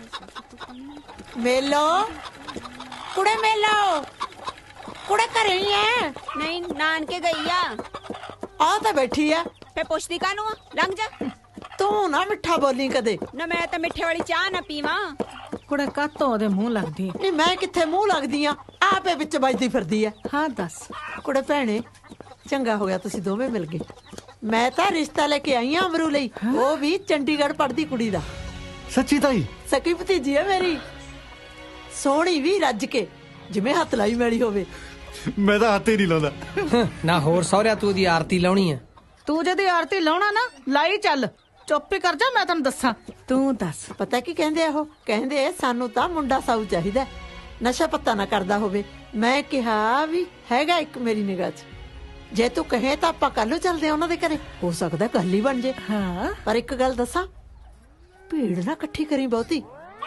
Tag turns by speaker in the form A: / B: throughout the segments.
A: ਮੇਲੋ ਕੁੜੇ ਮੇਲੋ ਕੁੜੇ ਘਰੇ ਹੀ ਐ?
B: ਨਹੀਂ ਨਾਨਕੇ ਗਈ ਆ।
A: ਆ ਤਾਂ ਬੈਠੀ ਆ।
B: ਫੇ ਪੁੱਛਦੀ ਕਾਹਨੂੰ ਆ? ਲੰਘ ਜਾ।
A: ਤੂੰ ਨਾ ਮਿੱਠਾ ਬੋਲੀ ਕਦੇ।
B: ਨਾ ਮੈਂ ਤਾਂ ਮਿੱਠੇ ਵਾਲੀ ਚਾਹ ਨਾ ਪੀਵਾਂ।
C: ਕੁੜੇ ਕਾਤੋਂ ਉਹਦੇ ਮੂੰਹ ਲੱਗਦੀ
A: ਨਹੀਂ ਮੈਂ ਕਿੱਥੇ ਮੂੰਹ ਲੱਗਦੀ ਆ, ਆਪੇ ਵਿੱਚ ਵੱਜਦੀ ਫਿਰਦੀ ਆ।
C: ਹਾਂ ਦੱਸ
A: ਕੁੜੇ ਭੈਣੇ, ਚੰਗਾ ਹੋ ਗਿਆ ਤੁਸੀਂ ਦੋਵੇਂ ਮਿਲ ਗਏ। ਮੈਂ ਤਾਂ ਰਿਸ਼ਤਾ ਲੈ ਕੇ ਆਈ ਆ ਅਮਰੂ ਲਈ, ਉਹ ਵੀ ਚੰਡੀਗੜ੍ਹ ਪੜ੍ਹਦੀ ਕੁੜੀ ਦਾ।
D: ਸੱਚੀ ਤਾਈ?
A: ਸਕੀ ਭਤੀਜੀ ਹੈ ਮੇਰੀ, ਸੋਹਣੀ ਵੀ ਰੱਜ ਕੇ, ਜਿਵੇਂ ਹੱਥ ਲਾਈ ਮੈਲੀ ਹੋਵੇ।
D: ਮੈਂ ਤਾਂ ਹੱਥ ਹੀ ਨਹੀਂ ਲਾਉਂਦਾ।
E: ਨਾ ਹੋਰ ਸਹੁਰਿਆ ਤੂੰ ਦੀ ਆਰਤੀ ਲਾਉਣੀ ਆ?
C: ਤੂੰ ਜਦੀ ਆਰਤੀ ਲਾਉਣਾ ਨਾ ਲਾਈ ਚੱਲ, ਚੁੱਪ ਹੀ ਕਰ ਜਾ। ਮੈਂ ਤੈਨੂੰ ਦੱਸਾਂ, ਤੂੰ ਦੱਸ।
A: ਪਤਾ ਕੀ ਕਹਿੰਦੇ ਆ ਉਹ? ਕਹਿੰਦੇ ਸਾਨੂੰ ਤਾਂ ਮੁੰਡਾ ਸਾਊ ਚਾਹੀਦਾ, ਨਸ਼ਾ ਪੱਤਾ ਨਾ ਕਰਦਾ ਹੋਵੇ। ਮੈਂ ਕਿਹਾ ਵੀ ਹੈਗਾ ਇੱਕ ਮੇਰੀ ਨਿਗਾਹ 'ਚ, ਜੇ ਤੂੰ ਕਹੇ ਤਾਂ ਆਪਾਂ ਕੱਲ ਨੂੰ ਚੱਲਦੇ ਆ ਉਹਨਾਂ ਦੇ ਘਰੇ, ਹੋ ਸਕਦਾ ਗੱਲ ਹੀ ਬਣ ਜੇ।
C: ਹਾਂ
A: ਪਰ ਇੱਕ ਗੱਲ ਦੱਸਾਂ, ਭੀੜ ਨਾ ਇਕੱਠੀ ਕਰੀ ਬਹੁਤੀ,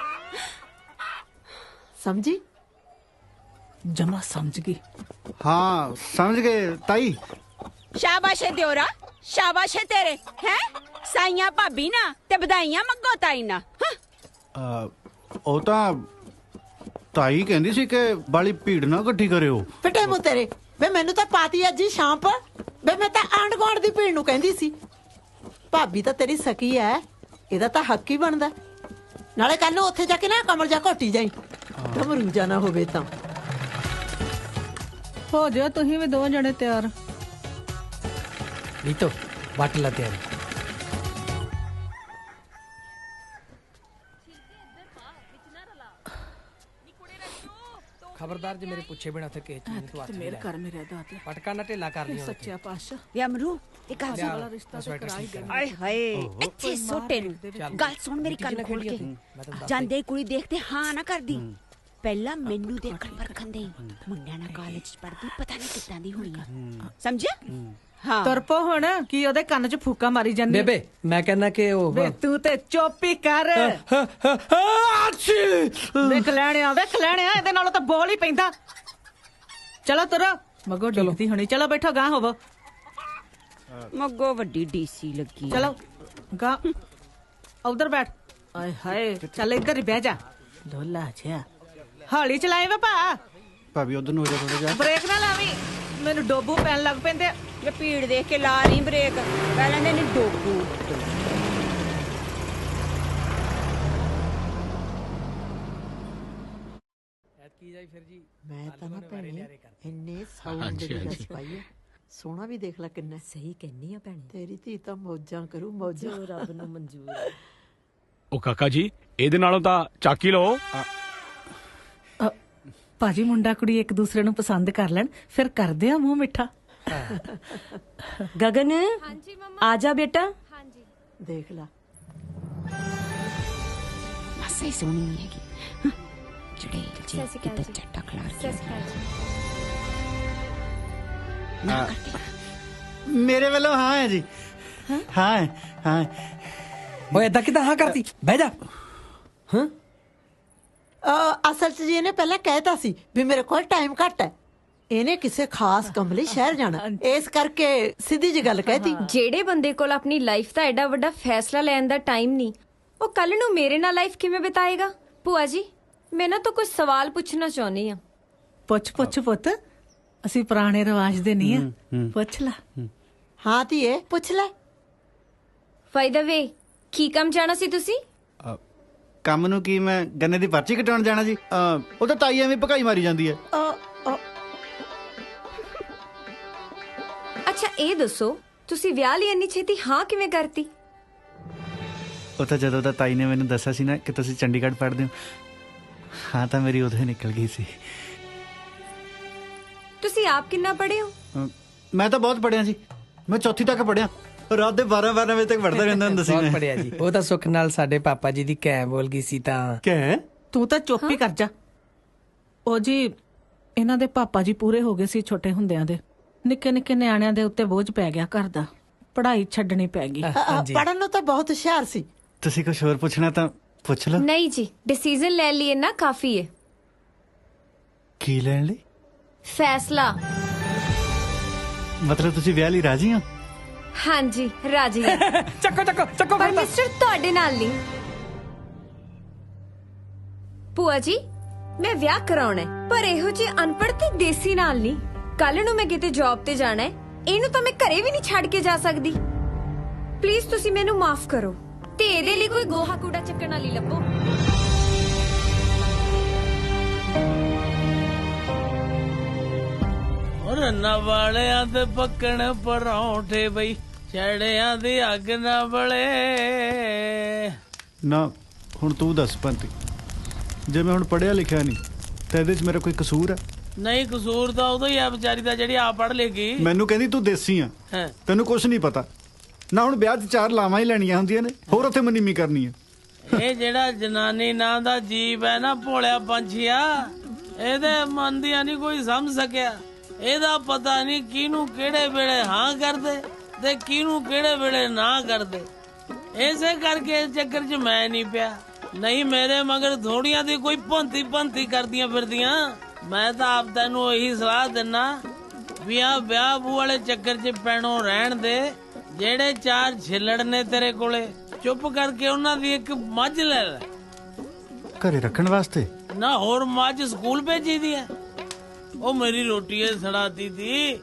A: ਸਮਝੀ?
C: ਜਮਾ ਸਮਝ ਗਈ।
D: ਹਾਂ ਸਮਝ ਗਏ ਤਾਈ।
B: ਸ਼ਾਬਾਸ਼ ਏ ਦਿਓਰਾ, ਸ਼ਾਬਾਸ਼ ਏ ਤੇਰੇ। ਹੈ ਸਾਈਆਂ ਭਾਬੀ ਨਾ ਤੇ ਵਧਾਈਆਂ ਮੰਗੋ ਤਾਈ ਨਾ।
D: ਉਹ ਤਾਂ ਤਾਈ ਕਹਿੰਦੀ ਸੀ ਕਿ ਬਾਲੀ ਭੀੜ ਨਾ ਇਕੱਠੀ ਕਰਿਓ।
A: ਫਿੱਟੇ ਮੂੰਹ ਤੇਰੇ ਵੇ, ਮੈਨੂੰ ਤਾਂ ਪਾਤੀ ਅੱਜ ਹੀ ਸ਼ਾਮ ਪਰ ਵੇ। ਮੈਂ ਤਾਂ ਆਂਢ ਗੁਆਂਢ ਦੀ ਭੀੜ ਨੂੰ ਕਹਿੰਦੀ ਸੀ। ਭਾਬੀ ਤਾਂ ਤੇਰੀ ਸਕੀ ਐ, ਇਹਦਾ ਤਾਂ ਹੱਕ ਹੀ ਬਣਦਾ। ਨਾਲੇ ਕੱਲ ਨੂੰ ਉੱਥੇ ਜਾ ਕੇ ਨਾ ਕਮਰ ਜਾ ਘੋਟੀ ਜਾਈ, ਘਮਰੂ ਜਾ ਨਾ ਹੋਵੇ ਤਾਂ।
C: ਹੋ ਜਾ ਤੁਸੀਂ ਵੀ ਦੋ ਜਣੇ ਤਿਆਰ।
E: ਰੀਤੋ ਵੱਟ ਲਾ ਤਿਆਰੀ। ਖਬਰਦਾਰ ਜੇ ਮੇਰੇ ਪੁੱਛੇ ਬਿਨਾ ਤੇ ਕਿਸੇ ਚੀਜ਼ ਤੂੰ ਹੱਥ ਨਹੀਂ
C: ਮੇਰੇ ਘਰ ਮੇਰੇ ਦਾਤੇ
E: ਪਟਕਾ ਨਾ ਢਿੱਲਾ ਕਰ ਲਈ
C: ਸੱਚਿਆ ਪਾਤਸ਼ਾਹ।
B: ਵੇ ਅਮਰੂ ਇਹ ਗੱਲ ਸੁਣ।
C: ਵਾਲਾ ਰਿਸ਼ਤਾ ਤੇ ਕਰਾ ਹੀ ਦੇਣਾ।
B: ਆਏ ਹਾਏ ਇੱਥੇ ਸੋਟੇ ਨੂੰ ਗੱਲ ਸੁਣ ਮੇਰੀ, ਕੰਨ ਖੋਲ ਕੇ। ਜਾਂਦੇ ਕੁੜੀ ਦੇਖਦੇ ਹਾਂ ਨਾ ਕਰਦੀ। ਪਹਿਲਾਂ ਮੈਨੂੰ ਦੇਖਣ ਪਰਖਣ ਦੇ, ਮੁੰਡਿਆਂ ਨਾਲ ਕਾਲਜ ਚ ਪੜਦੀ, ਪਤਾ ਨਹੀਂ ਕਿੱਦਾਂ ਦੀ ਹੋਣੀ ਆ, ਸਮਝਿਆ? ਹਾਂ
C: ਤੁਰਪੋ ਹੁਣ ਕੀ ਉਹਦੇ ਕੰਨ 'ਚ ਫੂਕਾ ਮਾਰੀ ਜਾਂਦੀ?
E: ਬੇਬੇ ਮੈਂ ਕਹਿੰਦਾ ਕਿ ਉਹ
C: ਵੇ ਤੂੰ ਤੇ ਚੁੱਪ ਹੀ ਕਰ। ਵੇਖ ਲੈਣਿਆ ਇਹਦੇ ਨਾਲੋਂ ਤਾਂ ਬੋਲ ਹੀ ਪੈਂਦਾ। ਚਲੋ ਤੁਰੋ, ਮਗੋ ਡਿੱਗਦੀ ਹੋਣੀ। ਚਲੋ ਬੈਠੋ, ਗਾਂ ਹੋਵੋ।
B: ਮੱਗੋ ਵੱਡੀ ਡੀਸੀ ਲੱਗੀ।
C: ਚਲੋ ਗਾ ਉਧਰ ਬੈਠ। ਆਏ ਹਾਏ ਚੱਲ ਇੱਧਰ ਹੀ ਬਹਿ ਜਾ। ਢੋਲਾ ਜਿਹਾ ਹੌਲੀ ਚਲਾਏ ਵੇ ਭਾ।
D: ਭਾਬੀ ਉਧਰ ਨੂੰ ਹੋ ਜਾ ਥੋੜਾ ਜਿਹਾ।
C: ਬ੍ਰੇਕ ਨਾ ਲਾਵੀਂ, ਮੈਨੂੰ ਡੋਬੂ ਪੈਣ ਲੱਗ ਪੈਂਦੇ।
B: ਜੇ ਭੀੜ ਦੇਖ ਕੇ ਲਾ ਨਹੀਂ ਬ੍ਰੇਕ, ਪਹਿਲਾਂ ਨੇ ਡੋਬੂ।
E: ਕੀ ਜਾਈ ਫਿਰ ਜੀ?
A: ਮੈਂ ਤਾਂ ਨਾ ਭੈਣੇ ਇੰਨੇ ਸਾਊਂਡ ਦੀ ਗੱਲ ਪਾਈ ਹੈ। ਸੋਹਣਾ ਵੀ ਦੇਖ ਲੈ ਕਿੰਨਾ।
F: ਸਹੀ ਕਹਿੰਨੀ ਆ ਭੈਣੇ,
A: ਤੇਰੀ ਧੀ ਤਾਂ ਮੌਜਾਂ ਕਰੂ, ਮੌਜਾਂ।
F: ਜੋ ਰੱਬ ਨੂੰ ਮਨਜ਼ੂਰ ਹੈ।
G: ਉਹ ਕਾਕਾ ਜੀ, ਇਹਦੇ ਨਾਲੋਂ ਤਾਂ ਚਾਕੀ ਲਓ।
C: ਭਾਜੀ ਮੁੰਡਾ ਕੁੜੀ ਇੱਕ ਦੂਸਰੇ ਨੂੰ ਪਸੰਦ ਕਰ ਲੈਣ, ਫਿਰ ਕਰਦੇ ਆ ਮੂੰਹ ਮਿੱਠਾ।
F: ਗਗਨ ਆ ਜਾ ਬੇਟਾ।
A: ਦੇਖ ਲਾ
B: ਮਾਸਾ ਹੀ ਸੋਹਣੀ ਨਹੀਂ ਹੈਗੀ। ਚੜੇਲ ਜੀ ਕਿੱਦਾਂ ਚੱਟਾ ਖਲਾਰ ਕੇ।
D: ਮੇਰੇ ਵੱਲੋਂ ਹਾਂ ਹੈ ਜੀ। ਹਾਂ ਹਾਂ।
E: ਓਏ ਏਦਾਂ ਕਿਦਾਂ ਹਾਂ ਕਰਤੀ? ਬਹਿ ਜਾ। ਹਾਂ
A: ਅਸਲ 'ਚ ਜੀ ਇਹਨੇ ਪਹਿਲਾਂ ਕਹਿਤਾ ਸੀ ਵੀ ਮੇਰੇ ਕੋਲ ਟਾਈਮ ਘੱਟ ਹੈ। ਇਹਨੇ ਕਿਸੇ ਖਾਸ ਕੰਮ ਲਈ ਸ਼ਹਿਰ ਜਾਣਾ, ਇਸ ਕਰਕੇ ਸਿੱਧੀ ਜੀ ਗੱਲ ਕਹਿਤੀ।
H: ਜਿਹੜੇ ਬੰਦੇ ਕੋਲ ਆਪਣੀ ਲਾਈਫ ਦਾ ਐਡਾ ਵੱਡਾ ਫੈਸਲਾ ਲੈਣ ਦਾ ਟਾਈਮ ਨਹੀਂ, ਉਹ ਕੱਲ ਨੂੰ ਮੇਰੇ ਨਾਲ ਲਾਈਫ ਕਿਵੇਂ ਬਿਤਾਏਗਾ? ਭੂਆ ਜੀ ਮੈਂ ਨਾ ਤਾਂ ਕੁਝ ਸਵਾਲ ਪੁੱਛਣਾ ਚਾਹੁੰਦੀ ਆ।
C: ਪੁੱਛ ਪੁੱਤ, ਅਸੀਂ ਪੁਰਾਣੇ ਰਿਵਾਜ ਦੇ ਨਹੀਂ ਆ। ਪੁੱਛ ਲੈ।
A: ਹਾਂ ਧੀਏ ਪੁੱਛ ਲੈ।
H: ਬਾਈ ਦਾ ਵੇ, ਕੀ ਕੰਮ ਜਾਣਾ ਸੀ ਤੁਸੀਂ?
D: ਕੰਮ ਨੂੰ ਕੀ, ਮੈਂ ਗੰਨੇ ਦੀ ਪਰਚੀ ਕਟਾਉਣ ਜਾਣਾ ਜੀ। ਉਹ ਤਾਂ ਤਾਈ ਐਵੇਂ ਭਕਾਈ ਮਾਰੀ ਜਾਂਦੀ ਹੈ।
H: ਅੱਛਾ ਇਹ ਦੱਸੋ, ਤੁਸੀਂ ਵਿਆਹ ਲਈ ਇੰਨੀ ਛੇਤੀ ਹਾਂ ਕਿਵੇਂ ਕਰਤੀ?
D: ਉਹ ਤਾਂ ਜਦੋਂ ਤਾਂ ਤਾਈ ਨੇ ਮੈਨੂੰ ਦੱਸਿਆ ਸੀ ਨਾ ਕਿ ਤੁਸੀਂ ਚੰਡੀਗੜ੍ਹ ਪੜ੍ਹਦੇ ਹੋ, ਹਾਂ ਤਾਂ ਮੇਰੀ ਉਦੋਂ ਹੀ ਨਿਕਲ ਗਈ ਸੀ।
H: ਤੁਸੀਂ ਆਪ ਕਿੰਨਾ ਪੜ੍ਹੇ ਹੋ?
D: ਮੈਂ ਤਾਂ ਬਹੁਤ ਪੜ੍ਹਿਆ ਜੀ। ਮੈਂ ਚੌਥੀ ਤੱਕ ਪੜ੍ਹਿਆ, ਰਾਤ ਦੇ 12 ਵਜੇ ਤੱਕ ਪੜ੍ਹਦਾ ਰਹਿੰਦਾ ਹੁੰਦਾ ਸੀ।
E: ਬਹੁਤ ਪੜਿਆ ਜੀ। ਉਹ ਤਾਂ ਸੁੱਖ ਨਾਲ ਸਾਡੇ ਪਾਪਾ ਜੀ ਦੀ ਕਹਿ ਬੋਲ ਗਈ ਸੀ ਤਾਂ।
D: ਕਹਿ?
C: ਤੂੰ ਤਾਂ ਚੁੱਪ ਹੀ ਕਰ ਜਾ। ਉਹ ਜੀ ਇਹਨਾਂ ਦੇ ਪਾਪਾ ਜੀ ਪੂਰੇ ਹੋ ਗਏ ਸੀ ਛੋਟੇ ਹੁੰਦਿਆਂ ਦੇ। ਨਿੱਕੇ ਨਿੱਕੇ ਨਿਆਣਿਆਂ ਦੇ ਉੱਤੇ ਬੋਝ ਪੈ ਗਿਆ ਘਰ ਦਾ, ਪੜ੍ਹਾਈ ਛੱਡਣੀ ਪੈ ਗਈ।
A: ਪੜ੍ਹਨ ਨੂੰ ਤਾਂ ਬਹੁਤ ਹੁਸ਼ਿਆਰ ਸੀ।
D: ਤੁਸੀਂ ਕੁਝ ਹੋਰ ਪੁੱਛਣਾ ਤਾਂ ਪੁੱਛ ਲਓ।
H: ਨਹੀਂ ਜੀ, ਡਿਸੀਜਨ ਲੈ ਲਈਏ ਨਾ ਕਾਫੀ ਹੈ।
D: ਕੀ ਲੈਣ ਲਈ?
H: ਫੈਸਲਾ।
D: ਮਤਲਬ ਤੁਸੀਂ ਵਿਆਹ ਲਈ ਰਾਜ਼ੀ ਹੋ?
H: ਹਾਂਜੀ ਰਾਜੀ।
E: ਚੱਕੋ
H: ਪਰ ਮਿਸਟਰ ਤੁਹਾਡੇ ਨਾਲ ਨਹੀਂ। ਭੂਆ ਜੀ ਮੈਂ ਵਿਆਹ ਕਰਾਉਣਾ ਹੈ, ਪਰ ਇਹੋ ਜਿਹੀ ਅਨਪੜ੍ਹ ਤੇ ਦੇਸੀ ਨਾਲ ਨਹੀਂ। ਕੱਲ ਨੂੰ ਮੈਂ ਕਿਤੇ ਜੌਬ ਤੇ ਜਾਣਾ ਹੈ, ਇਹਨੂੰ ਤਾਂ ਮੈਂ ਘਰੇ ਵੀ ਨਹੀਂ ਛੱਡ ਕੇ ਜਾ ਸਕਦੀ। ਪਲੀਜ਼ ਤੁਸੀਂ ਮੈਨੂੰ ਮਾਫ ਕਰੋ ਤੇ ਇਹਦੇ ਲਈ ਕੋਈ ਗੋਹਾ ਕੂੜਾ ਚੱਕਣ ਵਾਲੀ ਲੱਭੋ।
I: ਰੰਨਾ ਵਾਲਿਆਂ ਤੇ ਪੱਕਣ ਪਰੌਂਠੇ ਬਈ, ਛੜਿਆਂ ਦੀ ਅੱਗ ਨਾ ਬਲੇ।
D: ਨਾ ਹੁਣ ਤੂੰ ਦੱਸ ਪੰਤੀ, ਜੇ ਮੈਂ ਹੁਣ ਪੜ੍ਹਿਆ ਲਿਖਿਆ ਨਹੀਂ ਤਾਂ ਇਹਦੇ 'ਚ ਮੇਰਾ ਕੋਈ ਕਸੂਰ ਹੈ?
I: ਨਹੀਂ, ਕਸੂਰ ਤਾਂ ਉਦੋਂ ਹੀ ਆ ਵਿਚਾਰੀ ਦਾ ਜਿਹੜੀ ਆਪ ਪੜ੍ਹ ਲੇਗੀ।
D: ਮੈਨੂੰ ਕਹਿੰਦੀ ਤੂੰ ਦੇਸੀ ਆ,
I: ਹੈਂ।
D: ਤੈਨੂੰ ਕੁਝ ਨਹੀਂ ਪਤਾ ਨਾ। ਹੁਣ ਵਿਆਹ 'ਚ 4 ਲਾਵਾਂ ਹੀ ਲੈਣੀਆਂ ਹੁੰਦੀਆਂ ਨੇ, ਹੋਰ ਉੱਥੇ ਮਨੀਮੀ ਕਰਨੀ ਹੈ।
I: ਇਹ ਜਿਹੜਾ ਜਨਾਨੀ ਨਾਂ ਦਾ ਜੀਵ ਹੈ ਨਾ, ਭੋਲਿਆ ਪੰਛੀਆ, ਇਹਦੇ ਮਨ ਦੀਆਂ ਨਹੀਂ ਕੋਈ ਸਮਝ ਸਕਿਆ। ਇਹਦਾ ਪਤਾ ਨਹੀਂ ਕਿਹਨੂੰ ਕਿਹੜੇ ਵੇਲੇ ਹਾਂ ਕਰਦੇ ਤੇ ਕਿਹਨੂੰ ਕਿਹੜੇ ਵੇਲੇ ਨਾ ਕਰਦੇ। ਇਸੇ ਕਰਕੇ ਇਸ ਚੱਕਰ 'ਚ ਮੈਂ ਨਹੀਂ ਪਿਆ, ਨਹੀਂ ਮੇਰੇ ਮਗਰ ਥੋੜੀਆਂ ਦੀ ਕੋਈ ਭੰਤੀ ਕਰਦੀਆਂ ਫਿਰਦੀਆਂ। ਮੈਂ ਤਾਂ ਆਪ ਤੈਨੂੰ ਇਹੀ ਸਲਾਹ ਦਿੰਨਾ ਵੀ ਆ ਵਿਆਹ ਬੂ ਵਾਲੇ ਚੱਕਰ 'ਚ ਪੈਣੋਂ ਰਹਿਣ ਦੇ। ਜਿਹੜੇ 4 ਛਿੱਲੜ ਨੇ ਤੇਰੇ ਕੋਲੇ, ਚੁੱਪ ਕਰਕੇ ਉਹਨਾਂ ਦੀ ਇੱਕ ਮੱਝ ਲੈ ਲੈ।
D: ਘਰੇ ਰੱਖਣ ਵਾਸਤੇ?
I: ਨਾ ਹੋਰ ਮੱਝ ਸਕੂਲ ਭੇਜੀ ਦੀ ਹੈ। ਉਹ ਮੇਰੀ ਰੋਟੀ ਏ ਸੜਾਤੀ ਥੀ।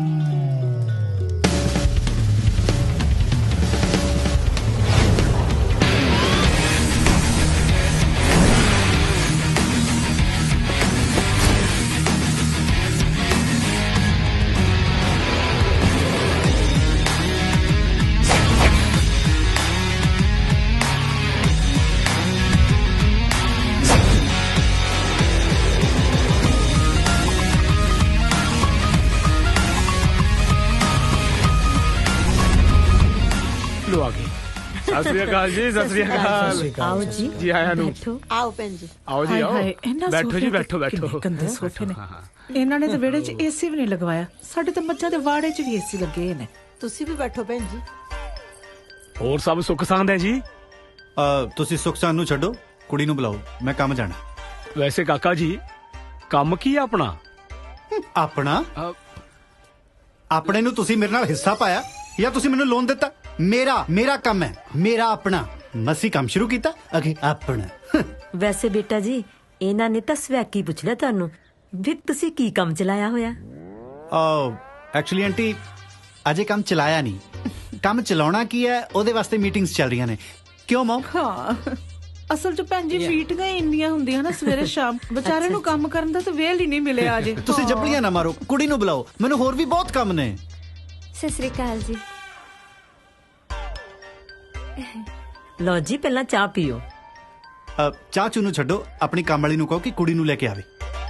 G: ਲੋ ਆ ਗਏ। ਸਤਿ ਸ੍ਰੀ ਅਕਾਲ ਜੀ, ਸਤਿ ਸ੍ਰੀ ਅਕਾਲ।
F: ਆਓ ਜੀ
G: ਜੀ ਆਇਆਂ ਨੂੰ।
A: ਆਓ ਭੈਣ ਜੀ।
G: ਆਓ ਜੀ, ਆਓ। ਬੈਠੋ ਜੀ, ਬੈਠੋ ਬੈਠੋ।
C: ਗੰਦੇ ਸੋਫੇ ਨੇ। ਇਹਨਾਂ ਨੇ ਤਾਂ ਵਿਹੜੇ 'ਚ ਏਸੀ ਵੀ ਨਹੀਂ ਲਗਵਾਇਆ। ਸਾਡੇ ਤਾਂ ਮੱਝਾਂ ਦੇ ਵਾੜੇ 'ਚ ਵੀ ਏਸੀ ਲੱਗੇ ਨੇ।
A: ਤੁਸੀਂ ਵੀ ਬੈਠੋ ਭੈਣ ਜੀ।
G: ਹੋਰ ਸਭ ਸੁੱਖ ਸਾਂਦ ਹੈ ਜੀ?
D: ਤੁਸੀਂ ਸੁਖ ਸਾਨੂੰ ਛੱਡੋ, ਕੁੜੀ ਨੂੰ ਬੁਲਾਓ, ਮੈਂ ਕੰਮ ਜਾਣਾ।
G: ਵੈਸੇ ਕਾਕਾ ਜੀ ਕੰਮ ਕੀ ਹੈ ਆਪਣਾ?
D: ਆਪਣਾ?
G: ਅ,
D: ਆਪਣੇ ਨੂੰ ਤੁਸੀਂ ਮੇਰੇ ਨਾਲ ਹਿੱਸਾ ਪਾਇਆ ਜਾਂ ਤੁਸੀਂ ਮੈਨੂੰ ਲੋਨ ਦਿੱਤਾ? ਮੇਰਾ ਕੰਮ ਹੈ, ਮੇਰਾ ਆਪਣਾ। ਮਸੀਂ ਕੰਮ ਸ਼ੁਰੂ ਕੀਤਾ, ਅਗੇ ਆਪਣਾ।
F: ਵੈਸੇ ਬੇਟਾ ਜੀ ਇਹਨਾਂ ਨੇ ਤਾਂ ਸਵੈਕੀ ਪੁੱਛ ਲਿਆ ਤੁਹਾਨੂੰ ਵੀ ਤੁਸੀਂ ਕੀ ਕੰਮ ਚਲਾਇਆ ਹੋਇਆ।
D: ਐਕਚੁਅਲੀ ਆਂਟੀ ਅਜੇ ਕੰਮ ਚਲਾਇਆ ਨਹੀਂ। ਕੰਮ ਚਲਾਉਣਾ ਕੀ ਹੈ ਉਹਦੇ ਵਾਸਤੇ ਮੀਟਿੰਗਸ ਚੱਲ ਰਹੀਆਂ ਨੇ। ਕਿਉਂ ਮਮ?
C: ਹਾਂ, ਅਸਲ 'ਚ ਭੈਣ ਜੀ ਮੀਟਿੰਗਾਂ ਹੀ ਇੰਨੀਆਂ ਹੁੰਦੀਆਂ ਨਾ ਸਵੇਰੇ ਸ਼ਾਮ, ਵਿਚਾਰੇ ਨੂੰ ਕੰਮ ਕਰਨ ਦਾ ਤਾਂ ਵੇਲ ਹੀ ਨਹੀਂ ਮਿਲਿਆ ਅਜੇ।
D: ਤੁਸੀਂ ਜੱਪਲੀਆਂ ਨਾ ਮਾਰੋ, ਕੁੜੀ ਨੂੰ ਬੁਲਾਓ, ਮੈਨੂੰ ਹੋਰ ਵੀ ਬਹੁਤ ਕੰਮ ਨੇ।
H: ਸਤਿ ਸ੍ਰੀ ਅਕਾਲ ਜੀ।
F: ਲਓ ਜੀ ਪਹਿਲਾਂ ਚਾਹ ਪੀਓ।
D: ਚਾਚੂ ਨੂੰ ਛੱਡੋ, ਆਪਣੀ ਕੰਮ ਵਾਲੀ ਨੂੰ ਕਹੋ ਕਿ ਕੁੜੀ ਨੂੰ ਲੈ ਕੇ ਆਵੇ।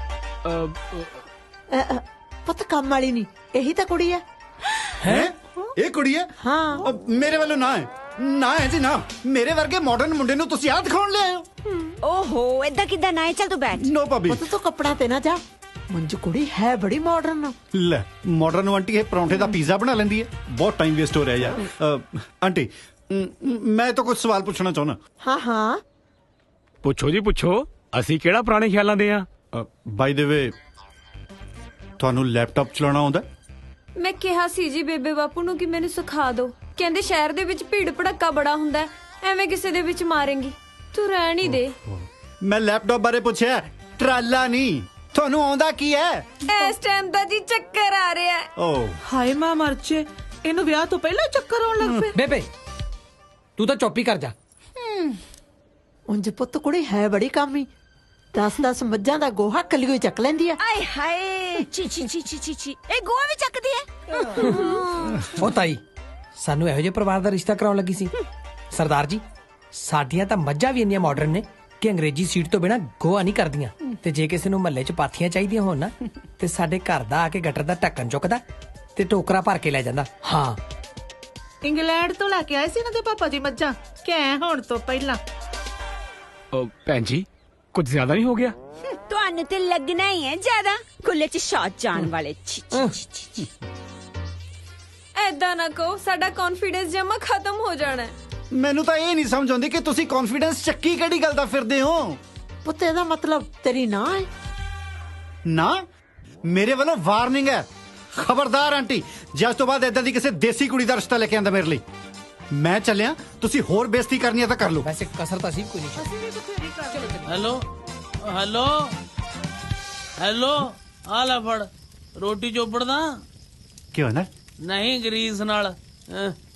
A: ਪੁੱਤ ਕੰਮ ਵਾਲੀ ਨਹੀਂ, ਇਹੀ ਤਾਂ ਕੁੜੀ ਹੈ।
D: ਹੈ? ਇਹ ਕੁੜੀ ਹੈ?
A: ਹਾਂ।
D: ਮੇਰੇ ਵੱਲੋਂ ਨਾ ਹੈ, ਨਾ ਹੈ ਜੀ ਨਾ। ਮੇਰੇ ਵਰਗੇ ਮਾਡਰਨ ਮੁੰਡੇ ਨੂੰ ਤੁਸੀਂ ਆਹ ਦਿਖਾਉਣ ਲਿਆਏ ਹੋ?
B: ਓਹੋ ਏਦਾਂ ਕਿੱਦਾਂ ਨਾ ਹੈ? ਚੱਲ ਤੂੰ ਬੈਠ।
D: ਨੋ ਭਾਬੀ।
A: ਪੁੱਤ ਤੂੰ ਕੱਪੜਾ ਤੇ ਨਾ ਜਾ, ਮੰਜੂ ਕੁੜੀ ਹੈ ਬੜੀ ਮਾਡਰਨ।
D: ਲੈ ਮਾਡਰਨ ਆਂਟੀ ਇਹ ਪਰੌਂਠੇ ਦਾ ਪੀਜ਼ਾ ਬਣਾ ਲੈਂਦੀ ਹੈ। ਬਹੁਤ ਟਾਈਮ ਵੇਸਟ ਹੋ ਰਿਹਾ ਯਾਰ। ਆਂਟੀ ਮੈਂ ਤਾਂ ਕੁਝ ਸਵਾਲ ਪੁੱਛਣਾ ਚਾਹੁੰਦਾ।
A: ਹਾਂ ਹਾਂ
G: ਪੁੱਛੋ ਜੀ ਪੁੱਛੋ, ਅਸੀਂ ਕਿਹੜਾ ਪੁਰਾਣੇ ਖਿਆਲਾਂ ਦੇ ਆ।
D: ਬਾਈ ਦੇ ਵੇ ਤੁਹਾਨੂੰ ਲੈਪਟਾਪ ਚਲਾਉਣਾ ਆਉਂਦਾ?
H: ਮੈਂ ਕਿਹਾ ਸੀ ਜੀ ਬੇਬੇ ਬਾਪੂ ਨੂੰ ਕਿ ਮੈਨੂੰ ਸਿਖਾ ਦਿਓ। ਕਹਿੰਦੇ ਸ਼ਹਿਰ ਦੇ ਵਿੱਚ ਭੀੜ ਭੜੱਕਾ ਬੜਾ ਹੁੰਦਾ, ਐਵੇਂ ਕਿਸੇ ਦੇ ਵਿੱਚ ਮਾਰੇਂਗੀ, ਤੂੰ ਰਹਿਣ ਹੀ ਦੇ।
D: ਮੈਂ ਲੈਪਟਾਪ ਬਾਰੇ ਪੁੱਛਿਆ, ਟਰਾਲਾ ਨਹੀਂ। ਤੁਹਾਨੂੰ ਆਉਂਦਾ ਕੀ ਹੈ?
H: ਇਸ ਟਾਈਮ ਦਾ ਜੀ ਚੱਕਰ ਆ ਰਿਹਾ ਹੈ।
D: ਓ
C: ਹਾਏ ਮਾਂ ਮਰਚੇ, ਇਹਨੂੰ ਵਿਆਹ ਤੋਂ ਪਹਿਲਾਂ ਚੱਕਰ ਆਉਣ ਲੱਗ ਪਏ।
E: ਬੇਬੇ ਤੂੰ ਤਾਂ ਚੁੱਪ ਹੀ ਕਰ ਜਾ।
A: ਉਂਝ ਪੁੱਤ ਕੁੜੀ ਹੈ ਬੜੀ ਕਾਮੀ। 10 ਮੱਝਾਂ ਦਾ ਗੋਹਾ ਕੱਲੀ ਚੱਕ ਲੈਂਦੀ ਆ।
B: ਆਏ ਹਾਏ ਚੀ ਚੀ ਚੀ ਚੀ ਚੀ ਚੀ, ਇਹ ਗੋਆ ਵੀ ਚੱਕਦੀ ਹੈ।
E: ਉਹ ਤਾਈ ਸਾਨੂੰ ਇਹੋ ਜਿਹੇ ਪਰਿਵਾਰ ਦਾ ਰਿਸ਼ਤਾ ਕਰਾਉਣ ਲੱਗੀ ਸੀ। ਸਰਦਾਰ ਜੀ ਸਾਡੀਆਂ ਤਾਂ ਮੱਝਾਂ ਵੀ ਇੰਨੀਆਂ ਮਾਡਰਨ ਨੇ ਕਿ ਅੰਗਰੇਜ਼ੀ ਸੀਟ ਤੋਂ ਬਿਨਾ ਗੋਆ ਨਹੀਂ ਕਰਦੀਆਂ। ਤੇ ਜੇ ਕਿਸੇ ਨੂੰ ਮਹੱਲੇ 'ਚ ਪਾਥੀਆਂ ਚਾਹੀਦੀਆਂ ਹੋਣ ਨਾ ਤੇ ਸਾਡੇ ਘਰ ਦਾ ਆ ਕੇ ਗਟਰ ਦਾ ਢੱਕਣ ਚੁੱਕਦਾ ਤੇ ਟੋਕਰਾ ਭਰ ਕੇ ਲੈ ਜਾਂਦਾ। ਹਾਂ
C: ਇੰਗਲੈਂਡ ਤੋਂ ਲੈ ਕੇ ਆਏ ਸੀ ਇਹਨਾਂ ਦੇ ਪਾਪਾ ਜੀ ਮੱਝਾਂ, ਕਹਿ ਹੋਣ ਤੋਂ ਪਹਿਲਾਂ।
G: ਭੈਣ ਜੀ ਕੁਝ ਜ਼ਿਆਦਾ ਨਹੀਂ ਹੋ ਗਿਆ?
B: ਤੁਹਾਨੂੰ ਤੇ ਲੱਗਣਾ ਹੀ ਹੈ ਜ਼ਿਆਦਾ, ਖੁੱਲੇ 'ਚ ਸ਼ਾਟ ਜਾਣ ਵਾਲੇ। ਛੀ ਛੀ ਛੀ ਛੀ।
H: ਐਦਾਂ ਨਾ ਕਹੋ, ਸਾਡਾ ਕੌਨਫੀਡੈਂਸ ਜਮਾ ਖਤਮ ਹੋ ਜਾਣਾ ਹੈ।
D: ਮੈਨੂੰ ਤਾਂ ਇਹ ਨਹੀਂ ਸਮਝ ਆਉਂਦੀ ਕਿ ਤੁਸੀਂ ਕੌਨਫੀਡੈਂਸ ਚੱਕੀ ਕਿਹੜੀ ਗੱਲ ਦਾ ਫਿਰਦੇ ਹੋ?
A: ਪੁੱਤ ਇਹਦਾ ਮਤਲਬ ਤੇਰੀ ਨਾ ਹੈ?
D: ਨਾ, ਮੇਰੇ ਵੱਲੋਂ ਵਾਰਨਿੰਗ ਹੈ। ਖਬਰਦਾਰ ਆਂਟੀ, ਜੇ ਅੱਜ ਤੋਂ ਬਾਅਦ ਏਦਾਂ ਦੀ ਕਿਸੇ ਦੇਸੀ ਕੁੜੀ ਦਾ ਰਿਸ਼ਤਾ ਲੈ ਕੇ ਆਂਦਾ ਮੇਰੇ ਲਈ। ਮੈਂ ਚੱਲਿਆ, ਤੁਸੀਂ ਹੋਰ ਬੇਇੱਜ਼ਤੀ ਕਰਨੀ ਹੈ ਤਾਂ ਕਰ ਲਓ।
E: ਵੈਸੇ ਕਸਰ ਤਾਂ ਸੀ ਕੋਈ ਨਹੀਂ।
I: ਹੈਲੋ ਹੈਲੋ ਹੈਲੋ ਆ ਲੈ ਫੜ ਰੋਟੀ ਚੋਪੜਦਾ
D: ਕਿਉਂ ਨਾ
I: ਨਹੀਂ ਗਰੀਸ ਨਾਲ